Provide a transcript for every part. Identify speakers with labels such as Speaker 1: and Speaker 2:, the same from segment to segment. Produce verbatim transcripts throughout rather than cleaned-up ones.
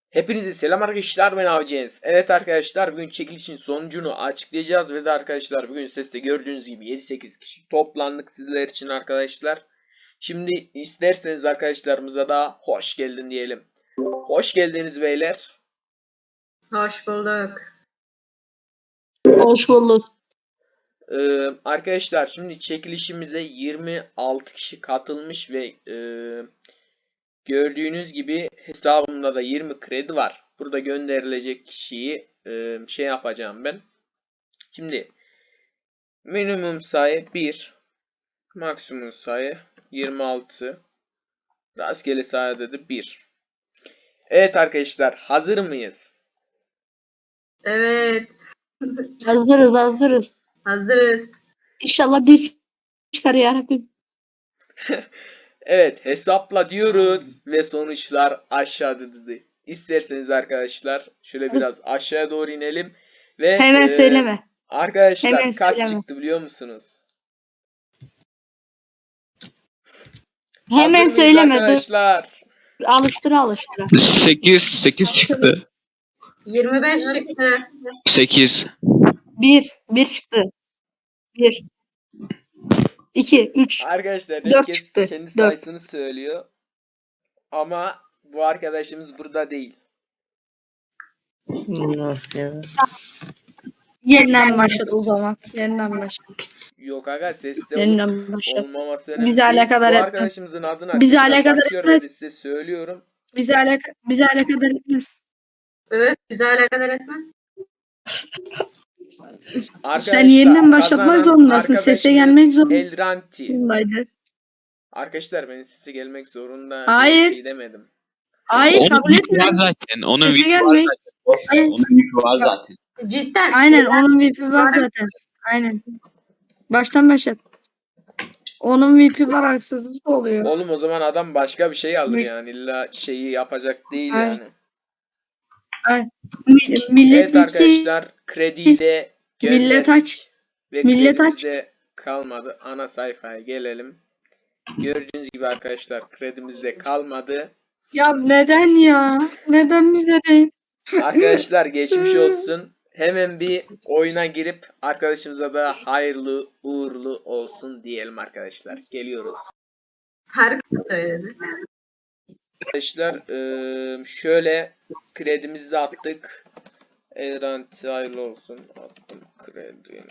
Speaker 1: Hepinize selam arkadaşlar, ben Avcıyız. Evet arkadaşlar, bugün çekilişin sonucunu açıklayacağız ve de arkadaşlar bugün seste gördüğünüz gibi yedi sekiz kişi toplandık sizler için arkadaşlar. Şimdi isterseniz arkadaşlarımıza da hoş geldin diyelim. Hoş geldiniz beyler.
Speaker 2: Hoş bulduk.
Speaker 3: Hoş bulduk.
Speaker 1: Ee, arkadaşlar şimdi çekilişimize yirmi altı kişi katılmış ve e, gördüğünüz gibi hesabımda da yirmi kredi var. Burada gönderilecek kişiyi e, şey yapacağım ben. Şimdi minimum sayı bir, maksimum sayı yirmi altı, rastgele sayıda da bir. Evet arkadaşlar, hazır mıyız?
Speaker 2: Evet.
Speaker 3: Hazırız hazırız.
Speaker 2: Hazırız.
Speaker 3: İnşallah bir çıkar yarabbim.
Speaker 1: Evet, hesapla diyoruz ve sonuçlar aşağıda dedi. İsterseniz arkadaşlar şöyle biraz aşağıya doğru inelim ve
Speaker 3: Hemen
Speaker 1: e,
Speaker 3: söyleme.
Speaker 1: arkadaşlar
Speaker 3: Hemen
Speaker 1: kaç
Speaker 3: söyleme.
Speaker 1: çıktı biliyor musunuz?
Speaker 3: Hemen
Speaker 1: Hazır mıyız
Speaker 3: söyleme. Dur.
Speaker 1: arkadaşlar?
Speaker 3: Alıştıra alıştıra.
Speaker 4: sekiz sekiz çıktı.
Speaker 2: yirmi beş çıktı.
Speaker 4: sekiz.
Speaker 3: Bir. Bir çıktı. Bir. İki. Üç.
Speaker 1: Arkadaşlar
Speaker 3: Dört
Speaker 1: herkes
Speaker 3: çıktı.
Speaker 1: kendi
Speaker 3: Dört.
Speaker 1: sayısını söylüyor. Ama bu arkadaşımız burada değil.
Speaker 5: Nasıl ya?
Speaker 3: Yeniden başladı o zaman. Yeniden başladı.
Speaker 1: Yok aga seste
Speaker 3: Yeniden başladı.
Speaker 1: olmaması önemli
Speaker 3: Bizi
Speaker 1: değil.
Speaker 3: alakadar
Speaker 1: Bu
Speaker 3: etmez.
Speaker 1: arkadaşımızın adını
Speaker 3: Bizi
Speaker 1: arkadaşlar
Speaker 3: alakadar
Speaker 1: bakıyorum ve
Speaker 3: etmez.
Speaker 1: de size söylüyorum.
Speaker 3: Bizi alaka bizi alakadar etmez.
Speaker 2: Evet. Güzel alakadar etmez.
Speaker 1: Arkadaşlar
Speaker 3: Sen yeniden başlatmak
Speaker 1: kazanan
Speaker 3: zorundasın. Sese
Speaker 1: arkadaşımız
Speaker 3: gelmek
Speaker 1: Elranti.
Speaker 3: zorundaydı.
Speaker 1: Arkadaşlar benim sese gelmek zorunda
Speaker 3: Hayır.
Speaker 1: bir şey demedim.
Speaker 3: Hayır
Speaker 4: Onun
Speaker 3: kabul
Speaker 4: yükü var
Speaker 3: etmiyorum.
Speaker 4: zaten. Onun
Speaker 3: Sese
Speaker 4: yükü var
Speaker 3: gelmek.
Speaker 4: zaten. Boş ver,
Speaker 3: Hayır.
Speaker 4: Onun yükü var zaten.
Speaker 2: Cidden.
Speaker 3: Aynen onun V I P'i var zaten. Aynen. Baştan başlat. Onun V I P'i var, haksızlık oluyor.
Speaker 1: Oğlum o zaman adam başka bir şey alır
Speaker 3: Mi-
Speaker 1: yani illa şeyi yapacak değil
Speaker 3: Ay.
Speaker 1: yani.
Speaker 3: Mi- Millet
Speaker 1: Evet arkadaşlar krediyi de
Speaker 3: millet
Speaker 1: gönderdik.
Speaker 3: aç.
Speaker 1: Ve
Speaker 3: Millet
Speaker 1: kredimiz
Speaker 3: aç.
Speaker 1: de kalmadı. Ana sayfaya gelelim. Gördüğünüz gibi arkadaşlar kredimiz de kalmadı.
Speaker 3: Ya neden ya? Neden bize değil?
Speaker 1: Arkadaşlar geçmiş olsun. Hemen bir oyuna girip arkadaşımıza da hayırlı uğurlu olsun diyelim arkadaşlar. Geliyoruz.
Speaker 2: Harika söyledi.
Speaker 1: Arkadaşlar eee, şöyle kredimizi de attık. Elranti hayırlı olsun. Attım kredi.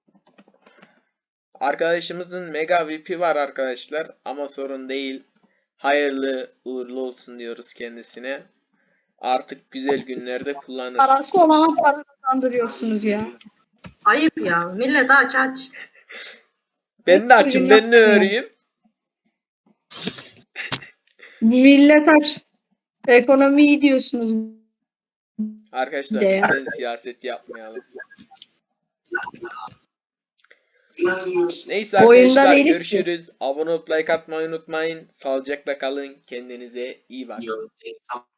Speaker 1: Arkadaşımızın mega V P var arkadaşlar ama sorun değil. Hayırlı uğurlu olsun diyoruz kendisine. Artık güzel günlerde kullanır.
Speaker 3: Parası olana para kazandırıyorsunuz ya.
Speaker 2: Ayıp ya. Millet aç aç.
Speaker 1: Ben de açım, ben ne öreyim?
Speaker 3: Millet aç. Ekonomi iyi diyorsunuz.
Speaker 1: Arkadaşlar
Speaker 3: De ya.
Speaker 1: lütfen siyaset yapmayalım. Neyse
Speaker 3: Oyunda
Speaker 1: arkadaşlar
Speaker 3: değiliz ki.
Speaker 1: görüşürüz. Abone olup like atmayı unutmayın. Sağlıcakla kalın. Kendinize iyi bakın.